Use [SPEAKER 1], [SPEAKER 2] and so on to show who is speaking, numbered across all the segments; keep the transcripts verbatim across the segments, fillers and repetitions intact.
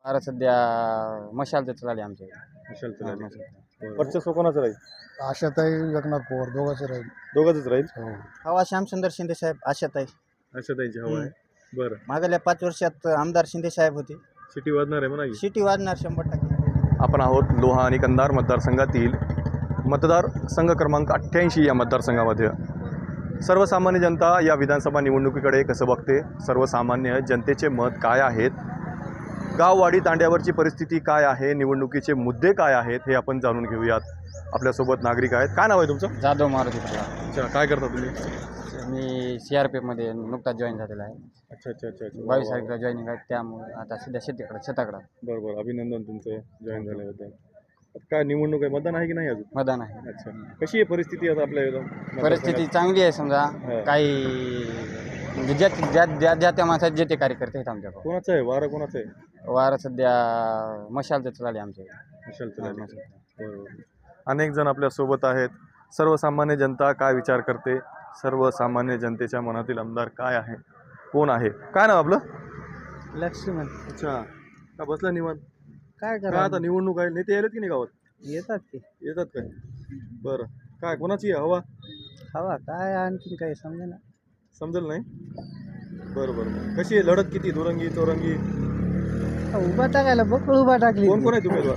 [SPEAKER 1] आता सध्या मशाल तर चालली आमच्या
[SPEAKER 2] विशाल
[SPEAKER 1] हा,
[SPEAKER 2] चव्हाण.
[SPEAKER 1] मशाल.
[SPEAKER 2] वर्चस्व कोणाचं राहील?
[SPEAKER 3] आशाताई एकनाथ पवार दोघांचं राहील.
[SPEAKER 2] दोघांचंच राहील.
[SPEAKER 3] हो.
[SPEAKER 1] हवा श्यामसुंदर शिंदे साहेब आशाताई.
[SPEAKER 2] अशा त्यांची हवा आहे. बरं,
[SPEAKER 1] मागल्या पाच वर्षात आमदार शिंदे साहेब होते.
[SPEAKER 2] सिटी वाजणार आहे म्हणा की.
[SPEAKER 1] सिटी वाजणार शंभर टक्के.
[SPEAKER 2] आपण आहोत लोहा आणि कंधार मतदारसंघातील मतदार संघ क्रमांक अठ्ठ्याऐंशी या मतदारसंघामध्ये. सर्वसामान्य जनता या विधानसभा निवडणुकीकडे कसं बघते, सर्वसामान्य जनतेचे मत काय आहेत, गाववाडी तांड्यावरची परिस्थिती काय आहे, निवडणुकीचे मुद्दे काय आहेत हे आपण जाणून घेऊयात. आपल्यासोबत नागरिक आहेत. काय नाव आहे तुमचं?
[SPEAKER 1] जाधव मारुती पवार.
[SPEAKER 2] अच्छा, काय करता तुम्ही?
[SPEAKER 1] मी सी आर पी एफमध्ये नुकताच जॉईन झालेला आहे.
[SPEAKER 2] अच्छा अच्छा अच्छा अच्छा.
[SPEAKER 1] बावीस तारखेला जॉईनिंग आहे, त्यामुळे आता सध्या शेतीकडे शेताकडं
[SPEAKER 2] बरं बरं, अभिनंदन तुमचं जॉईन झाल्याबद्दल. आता काय निवडणूक आहे, मतदान आहे की नाही अजून?
[SPEAKER 1] मतदान आहे.
[SPEAKER 2] अच्छा, कशी आहे परिस्थिती आता आपल्या इथं?
[SPEAKER 1] परिस्थिती चांगली आहे. समजा
[SPEAKER 2] हा.
[SPEAKER 1] काही म्हणजे ज्या ज्या ज्या ज्या त्या माणसात जे ते कार्यकर्ते आहेत आमच्याकडे.
[SPEAKER 2] कोणाचं आहे वारं, कोणाचं आहे?
[SPEAKER 1] वार सध्या मशाल तर चालली आमच्या
[SPEAKER 2] विशाल चव्हाण.
[SPEAKER 1] मशाल.
[SPEAKER 2] बरोबर. अनेक जण आपल्या सोबत आहेत. सर्वसामान्य जनता काय विचार करते, सर्वसामान्य जनतेच्या मनातील आमदार काय आहे, कोण आहे? काय नाव आपलं?
[SPEAKER 1] लक्ष्मण.
[SPEAKER 2] अच्छा, का बसला निवांत?
[SPEAKER 1] काय
[SPEAKER 2] काय आता निवडणूक आहे, नेते आलेत की नाही गावात?
[SPEAKER 1] येतात की
[SPEAKER 2] येतात काय? बरं, काय कोणाची आहे हवा?
[SPEAKER 1] हवा काय आणखीन काही समजा ना.
[SPEAKER 2] समजेल नाही. बरं बरं, कशी आहे लढत? किती दुरंगी चौरंगी?
[SPEAKER 1] उभा टाकायला बकळ उभा टाकली.
[SPEAKER 2] कोण कोण आहे उमेदवार?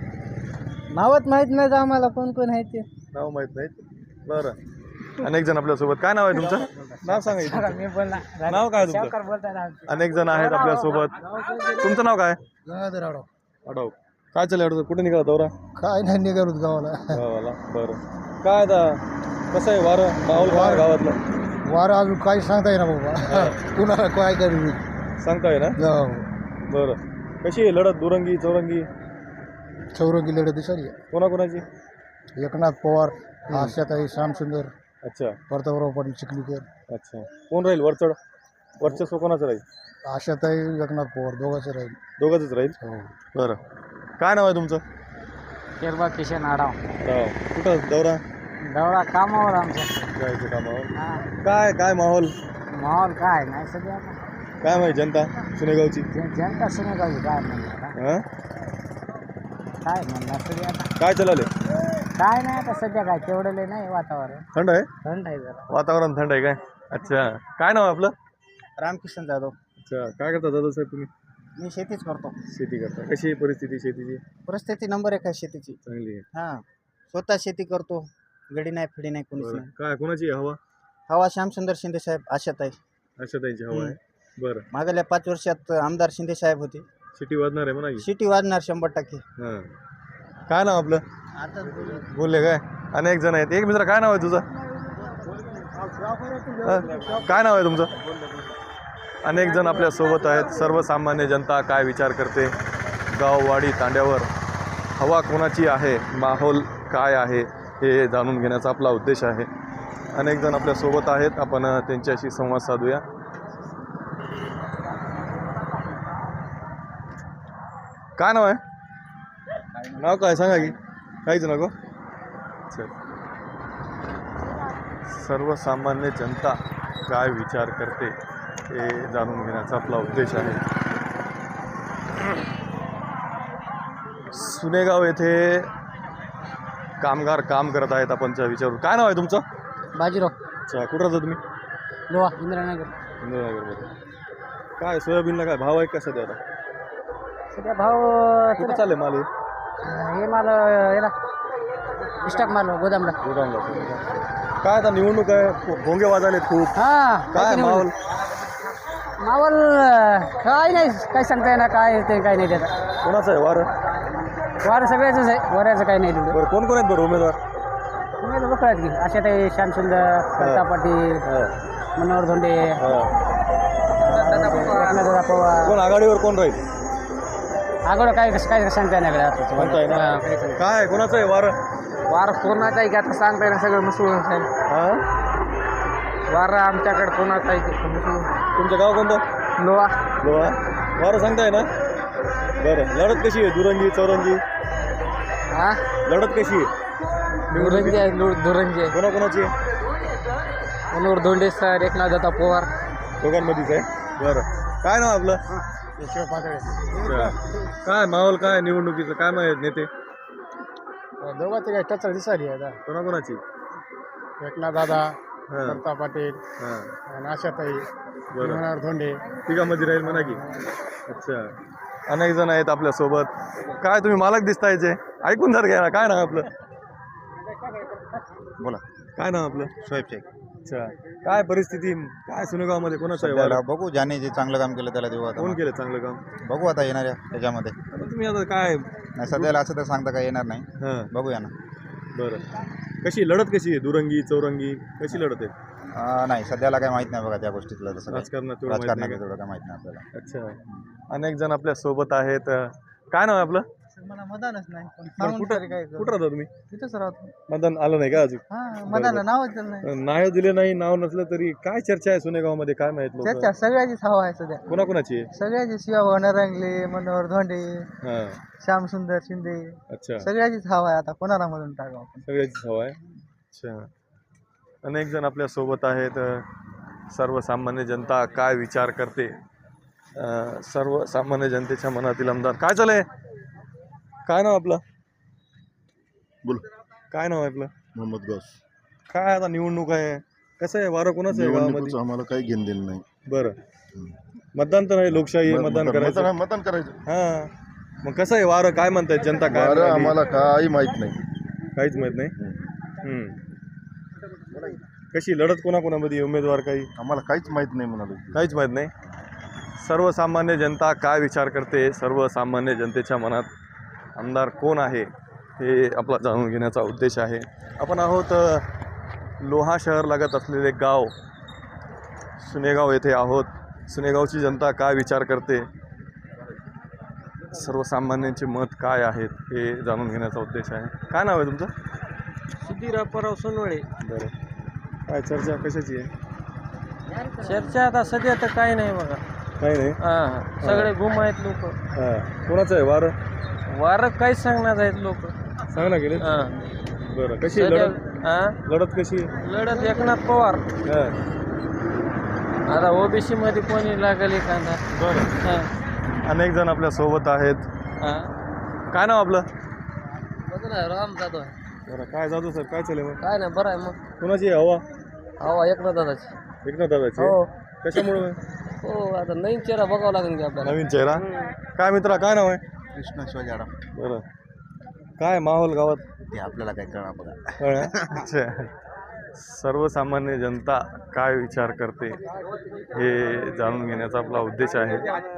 [SPEAKER 1] नावच माहित नाही आम्हाला कोण कोण आहे ते.
[SPEAKER 2] नाव माहित नाहीत. बरं, अनेक जण आपल्यासोबत. काय नाव आहे तुमचं? नाव सांगा इथं.
[SPEAKER 1] मी बोलला
[SPEAKER 2] नाव काय आहे तुमचं?
[SPEAKER 1] बोलताय.
[SPEAKER 2] अनेक जण आहेत आपल्यासोबत. तुमचं नाव काय?
[SPEAKER 3] गंगाधर आडव.
[SPEAKER 2] आडव. काय चालू आहे? कुठे निघाला दौरा?
[SPEAKER 3] काय नाही निघालोत गावाला.
[SPEAKER 2] गावाला. बरं, काय आता कसं आहे वारं माहोल काय गावातलं?
[SPEAKER 3] वारं अजून काही सांगता येईना बाबा. कुणाला काय करू
[SPEAKER 2] सांगताय ना. बरं, कशी आहे लढत? दुरंगी चौरंगी?
[SPEAKER 3] चौरंगी लढत दिसाली.
[SPEAKER 2] कोणाकोणाची?
[SPEAKER 3] एकनाथ पवार, आशाताई, श्यामसुंदर,
[SPEAKER 2] अच्छा
[SPEAKER 3] प्रतापराव पाटील चिखलीकर.
[SPEAKER 2] अच्छा, कोण राहील वरचढ? वर्चस्व कोणाचं राहील?
[SPEAKER 3] आशाताई एकनाथ पवार दोघांचं राहील.
[SPEAKER 2] दोघंच राहील.
[SPEAKER 3] हो.
[SPEAKER 2] बरं, काय नाव आहे तुमचं?
[SPEAKER 1] केरबा किशन आडाव.
[SPEAKER 2] राव. कुठं दौरा?
[SPEAKER 1] दौरा कामावर आमच्या.
[SPEAKER 2] जायचं कामावर. काय काय माहोल
[SPEAKER 1] माहोल काय नाही सध्या आता.
[SPEAKER 2] काय माहिती जनता सुनेगावची?
[SPEAKER 1] जनता सुनेगावी काय म्हणणार
[SPEAKER 2] हां,
[SPEAKER 1] काय म्हणणार सध्या आता.
[SPEAKER 2] काय चालले?
[SPEAKER 1] काय नाही आता सध्या काय तेवढं नाही वातावरण.
[SPEAKER 2] थंड आहे
[SPEAKER 1] थंड आहे जरा.
[SPEAKER 2] वातावरण, थंड आहे काय? अच्छा, काय नाव आहे आपलं?
[SPEAKER 1] रामकिशन जाधव.
[SPEAKER 2] अच्छा, काय करता दादा साहेब तुम्ही?
[SPEAKER 1] मी शेतीच करतो.
[SPEAKER 2] शेती करता. कशी आहे परिस्थिती शेतीची?
[SPEAKER 1] परिस्थिती नंबर एक आहे शेतीची.
[SPEAKER 2] चांगली आहे.
[SPEAKER 1] हां, स्वतः शेती करतो. गडी नाही फिडी नाही कोणीच
[SPEAKER 2] बरं,
[SPEAKER 1] नाही.
[SPEAKER 2] काय कोणाची आहे हवा?
[SPEAKER 1] हवा श्यामसुंदर शिंदे साहेब आशाताई.
[SPEAKER 2] अशा त्यांची हवा आहे. बरं,
[SPEAKER 1] मागल्या पाच वर्षात आमदार शिंदे साहेब होते.
[SPEAKER 2] सिटी वाजणार आहे म्हणा की.
[SPEAKER 1] सिटी वाजणार शंभर टक्के.
[SPEAKER 2] हां, काय नाव आपलं?
[SPEAKER 1] आता
[SPEAKER 2] बोलले काय? अनेक जण आहेत. एक मित्र, काय नाव आहे तुझं? हं? काय नाव आहे तुमचं? अनेक जण आपल्या सोबत आहेत. सर्वसामान्य जनता काय विचार करते, गाववाडी तांड्यावर हवा कोणाची आहे, माहोल काय आहे हे जाणून घेण्याचा आपला उद्देश आहे. अनेक जण आपल्या सोबत आहेत. आपण त्यांच्याशी संवाद साधूया. काय नाव आहे? नाव काय सांगा की? काहीच नको. चल, सर्वसामान्य जनता काय विचार करते हे जाणून घेण्याचा आपला उद्देश आहे. सुनेगाव येथे कामगार काम करत आहेत. आपण त्या विचारू. काय नाव आहे तुमचं?
[SPEAKER 1] बाजीराव.
[SPEAKER 2] अच्छा, कुठं राहता तुम्ही?
[SPEAKER 1] लोहा इंद्रानगर.
[SPEAKER 2] इंदिरानगरमध्ये. काय सोयाबीनला काय भाव आहे का सध्या आता?
[SPEAKER 1] सध्या भाव
[SPEAKER 2] कुठं चालले माल हे?
[SPEAKER 1] हे माल याला स्टॉक माल गोदामला.
[SPEAKER 2] गोदामला. काय आता निवडणूक आहे, भोंगे वाजालेत खूप.
[SPEAKER 1] हा,
[SPEAKER 2] काय माहोल?
[SPEAKER 1] मावल काय नाही, काय सांगता येणार काय ते काय नाही त्याचा.
[SPEAKER 2] कोणाचं आहे वारं?
[SPEAKER 1] वारं सगळ्याच आहे, वाऱ्याचं काही नाही तेवढं.
[SPEAKER 2] बरं, कोण कोण आहेत बरं उमेदवार?
[SPEAKER 1] तुम्ही बघ आहेत की आशाताई, श्यामसुंदर, प्रताप पाटील, मनोहर धोंडे, एकनाथदादा पवार.
[SPEAKER 2] कोण आघाडीवर कोण राहील?
[SPEAKER 1] आगोडं काय कसं काय सांगता येणार
[SPEAKER 2] म्हणताय ना.
[SPEAKER 1] काय
[SPEAKER 2] काय कोणाचं आहे वारं?
[SPEAKER 1] वार कोणाचा आहे की आता सांगता येणार सगळं मिसळून साहेब.
[SPEAKER 2] हां,
[SPEAKER 1] वार आमच्याकडे कोणाचा आहे की मिसळून.
[SPEAKER 2] तुमचं गाव कोणतं?
[SPEAKER 1] लोहा.
[SPEAKER 2] लोहा. वारं सांगताय ना. बरं, लढत कशी आहे? दुरंगी चौरंगी?
[SPEAKER 1] हा,
[SPEAKER 2] लढत कशी आहे?
[SPEAKER 1] दुरंगी आहे. दुरंगी आहे.
[SPEAKER 2] कोणाकोणाची आहे?
[SPEAKER 1] मनोहर धोंडे सर, एकनाथदादा पवार.
[SPEAKER 2] दोघांमध्येच आहे. बरं, काय नाव आपलं?
[SPEAKER 3] शिव पातळे
[SPEAKER 2] अच्छा. काय माहोल काय निवडणुकीचं काय माहित नेते
[SPEAKER 3] दोघांची काही टचर दिसाली आता
[SPEAKER 2] कोणाकोणाची
[SPEAKER 3] एकनाथ दादा
[SPEAKER 2] हां
[SPEAKER 3] दत्ता पाटील
[SPEAKER 2] हां
[SPEAKER 3] आणि आशाताई
[SPEAKER 2] बरं
[SPEAKER 3] मनोहर धोंडे
[SPEAKER 2] तिघामध्ये राहील म्हणा की अच्छा. अनेक जण आहेत आपल्यासोबत. काय तुम्ही मालक दिसतायचे ऐकून जर घ्या काय नाव आपलं
[SPEAKER 3] बोला
[SPEAKER 2] काय नाव आपलं
[SPEAKER 3] शोएब शेख
[SPEAKER 2] अच्छा. काय परिस्थिती काय सुनेगावमध्ये कोणाचं आहे वारं?
[SPEAKER 3] बघू ज्याने जे चांगलं काम केलं त्याला देऊ आता
[SPEAKER 2] कोण केलं चांगलं काम?
[SPEAKER 3] बघू आता येणाऱ्या त्याच्यामध्ये
[SPEAKER 2] आता तुम्ही आता काय
[SPEAKER 3] नाही सध्याला असं तर सांगता काय येणार नाही
[SPEAKER 2] हां
[SPEAKER 3] बघूया ना
[SPEAKER 2] बरं कशी लढत कशी आहे दुरंगी चौरंगी कशी लढत आहे?
[SPEAKER 3] अं, नाही सध्याला काय माहित नाही बघा त्या गोष्टीतलं तसं काही.
[SPEAKER 2] राजकारणात तेवढं माहित नाही
[SPEAKER 3] राजकारणाचं
[SPEAKER 2] का?
[SPEAKER 3] तेवढं काय माहित नाही आपल्याला
[SPEAKER 2] अच्छा. अनेक जण आपल्या सोबत आहेत. काय नाव आहे आपलं?
[SPEAKER 1] मला मतदानच नाही
[SPEAKER 2] बरं, कुठं कुठं राहता तुम्ही?
[SPEAKER 1] तिथंच राहतो
[SPEAKER 2] मतदान आलं नाही का अजून?
[SPEAKER 1] हा
[SPEAKER 2] मतदान
[SPEAKER 1] नावच नाही
[SPEAKER 2] नाव दिले नाही नाव नसलं तरी काय चर्चा आहे सुनेगावमध्ये काय माहित लोक
[SPEAKER 1] चर्चा सगळ्याचीच हवा आहे सध्या
[SPEAKER 2] कोणाकोणाची आहे?
[SPEAKER 1] सगळ्याची शिवा नरंगले मनोहर धोंडे
[SPEAKER 2] हां
[SPEAKER 1] श्यामसुंदर शिंदे
[SPEAKER 2] अच्छा
[SPEAKER 1] सगळ्याचीच हवा आहे आता कोणाला मधून टाकावं आपण
[SPEAKER 2] सगळ्याचीच हवा आहे. अच्छा. अनेक जण आपल्या सोबत आहेत. सर्वसामान्य जनता काय विचार करते अं, सर्वसामान्य जनतेच्या मनातील आमदार काय चालय काय नाव आपलं
[SPEAKER 4] बोल
[SPEAKER 2] काय नाव आहे आपलं?
[SPEAKER 4] मोहम्मद गौस.
[SPEAKER 2] काय आता निवडणूक आहे कसं आहे वारं कोणाचं आहे गावामध्ये?
[SPEAKER 4] निवडणुकीचं आम्हाला काही घेणं देणं नाही.
[SPEAKER 2] बरं मतदान तर आहे लोकशाही आहे, मतदान करायचं
[SPEAKER 4] मतदान मतदान करायचं
[SPEAKER 2] हां मग कसं आहे वारं काय म्हणतायत जनता काय
[SPEAKER 4] बरं
[SPEAKER 2] म्हणाली?
[SPEAKER 4] आम्हाला काही माहित नाही.
[SPEAKER 2] काहीच माहित नाही. हम्म. कशी लढत कोणाकोणामध्ये आहे? उमेदवार काही
[SPEAKER 4] आम्हाला काहीच माहित नाही म्हणालो.
[SPEAKER 2] काहीच माहीत नाही. सर्वसामान्य जनता काय विचार करते सर्वसामान्य जनतेच्या मनात आमदार कोण आहे हे आपला जाणून घेण्याचा उद्देश आहे. आपण आहोत अ, लोहा शहर लागत असलेले गाव सुनेगाव येथे आहोत. सुनेगावची जनता काय विचार करते सर्वसामान्यांचे मत काय आहेत हे जाणून घेण्याचा उद्देश आहे. काय नाव आहे तुमचं?
[SPEAKER 1] सुधीर अप्पाराव सोनवळे.
[SPEAKER 2] बरं काय चर्चा कशाची आहे?
[SPEAKER 1] चर्चा आता सध्या तर काही नाही बघा
[SPEAKER 2] काही नाही.
[SPEAKER 1] हा सगळे गुम आहेत लोक
[SPEAKER 2] हां कोणाचं आहे वारं
[SPEAKER 1] वारं काहीच सांगणार आहेत लोक
[SPEAKER 2] सांग ना गेले
[SPEAKER 1] हा
[SPEAKER 2] बरं कशी आहे लढत
[SPEAKER 1] हा
[SPEAKER 2] लढत कशी आहे?
[SPEAKER 1] लढत एकनाथ पवार
[SPEAKER 2] हां
[SPEAKER 1] आता ओबीसी मध्ये कोणी लागेल एखादा
[SPEAKER 2] बरं
[SPEAKER 1] हा
[SPEAKER 2] अनेक जण आपल्या सोबत आहेत.
[SPEAKER 1] हा
[SPEAKER 2] काय नाव आपलं?
[SPEAKER 1] राम जाधव
[SPEAKER 2] बरं काय जातो सर काय चालेल मग
[SPEAKER 1] काय नाही बरं आहे मग
[SPEAKER 2] कोणाची आहे हवा?
[SPEAKER 1] हवा एकनाथ दादाची
[SPEAKER 2] एकनाथ दादाची
[SPEAKER 1] हो
[SPEAKER 2] कशामुळे
[SPEAKER 1] हो आता नवीन चेहरा बघावं लागेल की आपल्याला
[SPEAKER 2] नवीन चेहरा काय मित्रा काय नाव आहे?
[SPEAKER 3] कृष्ण शिवाजाडा
[SPEAKER 2] बरं काय माहोल गावात
[SPEAKER 3] ते आपल्याला काय कळणार बघा.
[SPEAKER 2] कळलं? अच्छा सर्वसामान्य जनता काय विचार करते हे जाणून घेण्याचा आपला उद्देश आहे.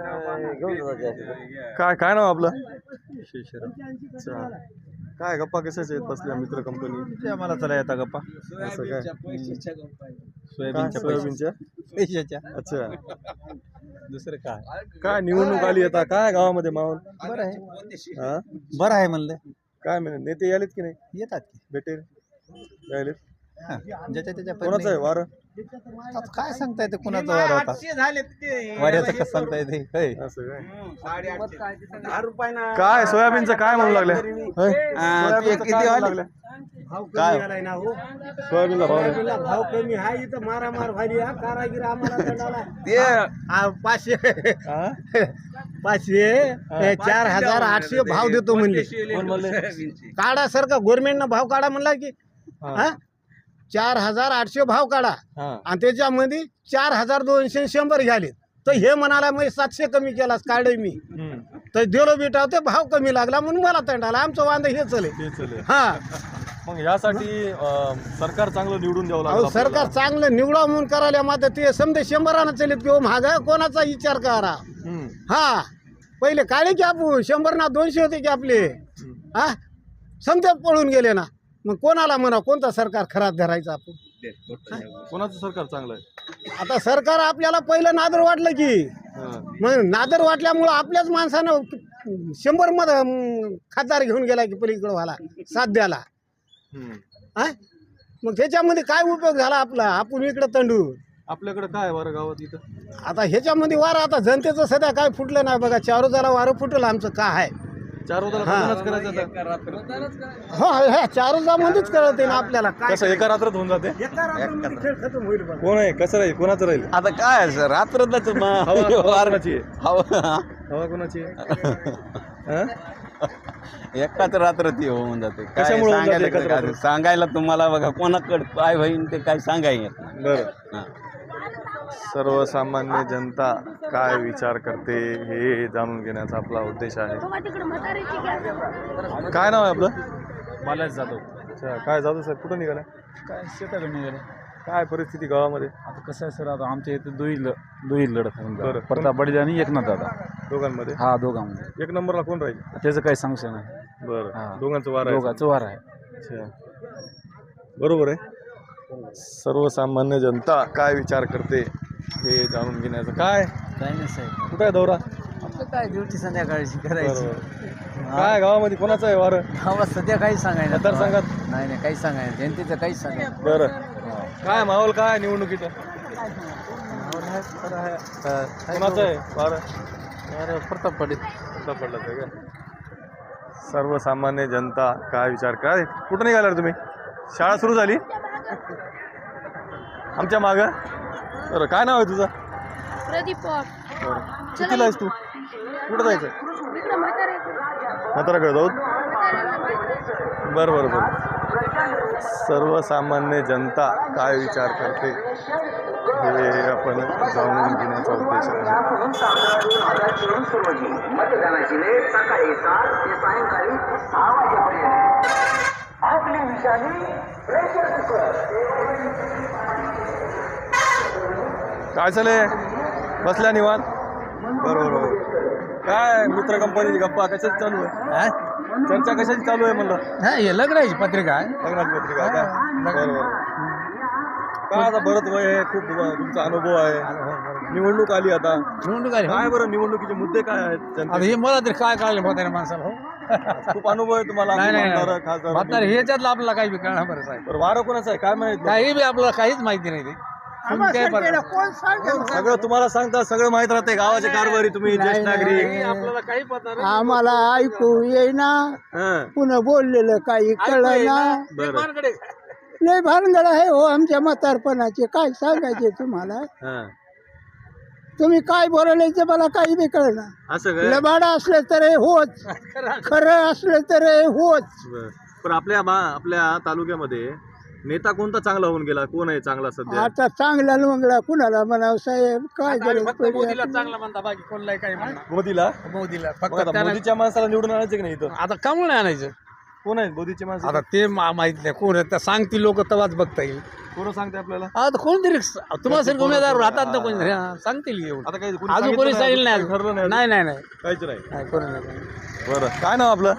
[SPEAKER 2] काय काय नाव आपलं? अच्छा काय गप्पा कशाच्या आहेत बसल्या मित्र कंपनी
[SPEAKER 3] आम्हाला चला येता गप्पा
[SPEAKER 2] असं काय
[SPEAKER 3] सोयाबीनच्या
[SPEAKER 2] सोयाबीनच्या
[SPEAKER 3] पैशाच्या
[SPEAKER 2] अच्छा
[SPEAKER 3] दुसरं काय
[SPEAKER 2] काय निवडणूक आली आता काय गावामध्ये माहोल
[SPEAKER 3] बरं आहे
[SPEAKER 2] हा
[SPEAKER 3] बरं आहे म्हणलं
[SPEAKER 2] काय म्हणे नेते यालेत की नाही
[SPEAKER 3] येतात की
[SPEAKER 2] भेटेल यालेत
[SPEAKER 3] हा, ज्याच्या त्याच्या
[SPEAKER 2] कोणाचं आहे वारं
[SPEAKER 3] आता काय सांगता येते कुणाचं वार होता वाऱ्याचं कसं सांगता येते होय.
[SPEAKER 2] असं काय काय सोयाबीनचं काय म्हणू लागले सोयाबीनचं काय म्हणू लागले
[SPEAKER 3] काय
[SPEAKER 2] सोयाबीनला भाव नाही.
[SPEAKER 1] भाव कमी हा इथं मारामार व्हायली हा कारागीर आम्हाला
[SPEAKER 3] ते
[SPEAKER 1] पाचशे
[SPEAKER 2] हा?
[SPEAKER 1] पाचशे हे चार हजार आठशे भाव देतो म्हणले
[SPEAKER 2] कोण म्हणले?
[SPEAKER 1] काढा सारखा गव्हर्नमेंटनं भाव काढा म्हणला की
[SPEAKER 2] हा.
[SPEAKER 1] हा चार हजार आठशे भाव काढा
[SPEAKER 2] हा.
[SPEAKER 1] आणि त्याच्यामध्ये चार हजार दोनशे शंभर घ्याले तर हे म्हणाला मी सातशे कमी केलास काढे मी
[SPEAKER 2] हम्म.
[SPEAKER 1] तर दिलो बेटा ते भाव कमी लागला म्हणून मला तंडाला आमचं वांद हे चले
[SPEAKER 2] ते चालेल.
[SPEAKER 1] हा
[SPEAKER 2] मग यासाठी अं, सरकार चांगलं निवडून द्यावं
[SPEAKER 1] अहो
[SPEAKER 2] लागेल
[SPEAKER 1] सरकार
[SPEAKER 2] आपल्याला.
[SPEAKER 1] चांगलं निवडा म्हणून करायला मात्र ते समजे शंभरानं चलित किंवा महाग कोणाचा विचार करा
[SPEAKER 2] हम्म.
[SPEAKER 1] हा पहिले काढे की आपण शंभर ना दोनशे होते की आपले हा समजा पळून गेले ना मग कोणाला म्हणा कोणता सरकार खराब धरायचा आपण
[SPEAKER 2] कोणाचं सरकार चांगलं आहे?
[SPEAKER 1] आता सरकार आपल्याला पहिलं नादर वाटलं की
[SPEAKER 2] हा.
[SPEAKER 1] मग नादर वाटल्यामुळं आपल्याच माणसानं शंभर मध खासदार घेऊन गेला की पलीकडं व्हायला साथ द्याला
[SPEAKER 2] हम्म.
[SPEAKER 1] हा मग त्याच्यामध्ये काय उपयोग झाला आपला आपण इकडं तंडू
[SPEAKER 2] आपल्याकडे काय बरं गावात इथं
[SPEAKER 1] आता ह्याच्यामध्ये वारं आता जनतेचं सध्या काय फुटलं नाही बघा चारोजाला वारं फुटलं आमचं काय आहे
[SPEAKER 2] चार उद्याला
[SPEAKER 1] हा.
[SPEAKER 2] मतदानच करायचं आता.
[SPEAKER 1] हो ह्या चारचामध्येच कळते ना आपल्याला काय
[SPEAKER 2] कसं एका रात्रात होऊन जाते
[SPEAKER 1] एका रात्रीमध्ये खेळ खतम होईल बघा.
[SPEAKER 2] कोण आहे कसं राहील कोणाचं राहील
[SPEAKER 3] आता काय सर रात्रच
[SPEAKER 2] हवा कोणाची आहे
[SPEAKER 3] हवा
[SPEAKER 2] हवा कोणाची आहे हा?
[SPEAKER 3] एकाच रात्र ती होऊन जाते काय
[SPEAKER 2] कशामुळे होऊन जाते
[SPEAKER 3] सांगायला
[SPEAKER 2] एकाच
[SPEAKER 3] काय-
[SPEAKER 2] रात्र?
[SPEAKER 3] सांगायला तुम्हाला बघा कोणाकडे काय होईल ते काय सांगाय येत नाही.
[SPEAKER 2] बरं
[SPEAKER 3] हा.
[SPEAKER 2] सर्वसामान्य जनता काय विचार करते हे जाणून घेण्याचा आपला उद्देश आहे. काय नाव आहे आपलं?
[SPEAKER 5] बालाजी जाधव.
[SPEAKER 2] अच्छा काय जाधव साहेब कुठं निघाला?
[SPEAKER 5] काय शेताकडे निघाले.
[SPEAKER 2] काय परिस्थिती गावामध्ये?
[SPEAKER 5] आता कसं आहे सर, आता आमच्या इथे दुई ल दुई लढत होऊन
[SPEAKER 2] बरं.
[SPEAKER 5] जाईल. प्रताप बडील आणि एकनाथ दादा
[SPEAKER 2] दोघांमध्ये
[SPEAKER 5] हा दोघांमध्ये.
[SPEAKER 2] एक नंबरला कोण राहील?
[SPEAKER 5] त्याचं काही सांगू शकत नाही.
[SPEAKER 2] बरं
[SPEAKER 5] हा.
[SPEAKER 2] दोघांचं वार आहे.
[SPEAKER 5] दोघांचं वार आहे.
[SPEAKER 2] अच्छा बरोबर आहे. सर्वसामान्य जनता काय विचार करते हे जाणून घेण्याचं काय
[SPEAKER 5] काय नाही साहेब,
[SPEAKER 2] कुठं आहे दौरा?
[SPEAKER 5] आपलं काय ड्युटी संध्याकाळची
[SPEAKER 2] बरोबर. काय गावामध्ये कोणाचं आहे वार
[SPEAKER 5] गावात सध्या काही सांगायला
[SPEAKER 2] मतदारसंघात?
[SPEAKER 5] नाही नाही काही सांगायला, जनतेचं काही सांगायला.
[SPEAKER 2] बरं काय माहोल काय निवडणुकीचं कोणाचं आहे वार?
[SPEAKER 5] प्रताप बडील.
[SPEAKER 2] पडलं ते का? सर्वसामान्य जनता काय विचार काय कुठं निघाला रे तुम्ही? शाळा सुरू झाली आमच्या मागं. बरं काय नाव आहे तुझं?
[SPEAKER 6] प्रदीप पवार.
[SPEAKER 2] बरं कितीला आहेस तू? कुठं जायचं?
[SPEAKER 6] इकडं म्हातारे
[SPEAKER 2] म्हाताराकडे जाऊ.
[SPEAKER 6] म्हाताऱ्याला माहिती.
[SPEAKER 2] बरं बरं बरं. सर्वसामान्य जनता काय विचार करते हे आपण जाणून घेण्याचा उद्देश आहे.
[SPEAKER 7] मतदानाची वेळ सकाळी सात ते सायंकाळी सहा वाजेपर्यंत. आपली विषाणी प्रेशर कुकर.
[SPEAKER 2] काय चाले बसल्या निवांत? बरोबर बरोबर. काय मित्र कंपनीची गप्पा कशाची चालू आहे? चर्चा कशाची चालू आहे म्हणलं?
[SPEAKER 5] हे लग्नाची पत्रिका आहे.
[SPEAKER 2] लग्नाची पत्रिका का? बरोबर. काय आता बरंच वय आहे खूप तुमचा अनुभव आहे. निवडणूक आली आता
[SPEAKER 5] निवडणूक आली.
[SPEAKER 2] काय बरं निवडणुकीचे मुद्दे काय आहेत
[SPEAKER 5] आता
[SPEAKER 2] जनतेचे?
[SPEAKER 5] हे मला तरी काय कळलं म्हाताऱ्या माणसाला. हो
[SPEAKER 2] खूप अनुभव आहे तुम्हाला
[SPEAKER 5] नाही नाही
[SPEAKER 2] आमदार,
[SPEAKER 5] नाही.
[SPEAKER 2] खासदार
[SPEAKER 5] म्हातारे ह्याच्यातलं आपल्याला काही बी कळणार बरं साहेब.
[SPEAKER 2] बरं वारं कोणाचं आहे काय माहित?
[SPEAKER 5] काही बी आपल्याला काहीच माहिती नाही ते. तुम्ही काय बरं-
[SPEAKER 1] कोण सांगेल?
[SPEAKER 2] सगळं तुम्हाला सांगता सगळं माहित राहते गावाचे कारभारी तुम्ही ज्येष्ठ नागरिक.
[SPEAKER 5] नाही, आपल्याला काही पत्ता नाही.
[SPEAKER 1] आम्हाला ऐकू येईना,
[SPEAKER 2] हं,
[SPEAKER 1] पुन्हा बोललेलं काही कळना.
[SPEAKER 2] बरं
[SPEAKER 1] लय भानगड आहे हो आमच्या म्हातारपणाचे. काय सांगायचे तुम्हाला?
[SPEAKER 2] हं.
[SPEAKER 1] तुम्ही काय बोलायचं मला काही बी कळना.
[SPEAKER 2] असं काय?
[SPEAKER 1] लबाड असलं तर हे होच, खरं असलं तर हे होच.
[SPEAKER 2] बरं. पण आपल्या बा- आपल्या तालुक्यामध्ये नेता कोणता चांगला होऊन गेला? कोण आहे चांगला सध्या?
[SPEAKER 1] आता चांगला लवंगला कुणाला म्हणावं साहेब? काय
[SPEAKER 5] आता आम्ही
[SPEAKER 1] गरज
[SPEAKER 5] फक्त
[SPEAKER 1] पडली
[SPEAKER 5] मोदीला
[SPEAKER 1] आपली?
[SPEAKER 5] चांगला म्हणता, बाकी कोणलाही काही म्हणा.
[SPEAKER 2] मोदीला?
[SPEAKER 5] मोदीला
[SPEAKER 2] मग
[SPEAKER 5] फक्त
[SPEAKER 2] आता
[SPEAKER 5] त्याला-
[SPEAKER 2] मोदीच्या माणसाला निवडून आणायचं की नाही इथं?
[SPEAKER 5] आता का म्हणून आणायचं?
[SPEAKER 2] कोण आहेत मोदीचे माणसं?
[SPEAKER 5] आता ते मा- माहित नाही कोण आहे, त्या सांगतील लोक तेव्हाच बघता येईल.
[SPEAKER 2] कोण सांगते आपल्याला?
[SPEAKER 5] आता कोणतरी तुम्हाला सर उमेदवार राहतात ना कोणी, हा, सांगतील एवढं.
[SPEAKER 2] आता काही कोणी
[SPEAKER 5] अजून कोणी
[SPEAKER 2] सांगितलं
[SPEAKER 5] सांगितलं
[SPEAKER 2] नाही,
[SPEAKER 5] नाही
[SPEAKER 2] ठरलं नाही
[SPEAKER 5] अजून. नाही नाही नाही
[SPEAKER 2] काहीच नाही.
[SPEAKER 5] नाही, कोणी नाही.
[SPEAKER 2] बरं काय नाव आपलं?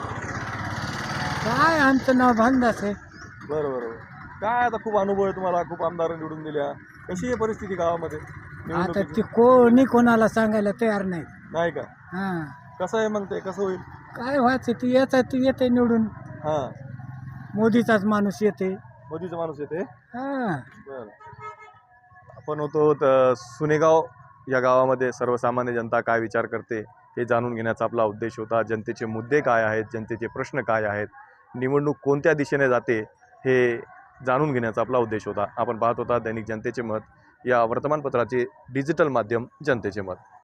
[SPEAKER 1] काय आमचं नाव भांडाच आहे.
[SPEAKER 2] बरं बरं बरं. काय आता खूप अनुभव आहे तुम्हाला, खूप आमदार निवडून दिल्या. कशी आहे परिस्थिती गावामध्ये
[SPEAKER 1] आता
[SPEAKER 2] निवडणुकीची?
[SPEAKER 1] ते कोणी कोणाला सांगायला तयार नाही.
[SPEAKER 2] नाही का?
[SPEAKER 1] हा
[SPEAKER 2] कसं आहे मग ते कसं होईल?
[SPEAKER 1] काय व्हायचं ते येत तू येते निवडून.
[SPEAKER 2] हा
[SPEAKER 1] मोदीचाच माणूस येते.
[SPEAKER 2] मोदीचा माणूस येते.
[SPEAKER 1] हा
[SPEAKER 2] बरं. आपण होतो त- सुनेगाव या गावामध्ये सर्वसामान्य जनता काय विचार करते हे जाणून घेण्याचा आपला उद्देश होता. जनतेचे मुद्दे काय आहेत, जनतेचे प्रश्न काय आहेत, निवडणूक कोणत्या दिशेने जाते हे जाणून घेण्याचा आपला उद्देश होता. आपण पाहत होता दैनिक जनतेचे मत या वर्तमानपत्राचे डिजिटल माध्यम जनतेचे मत.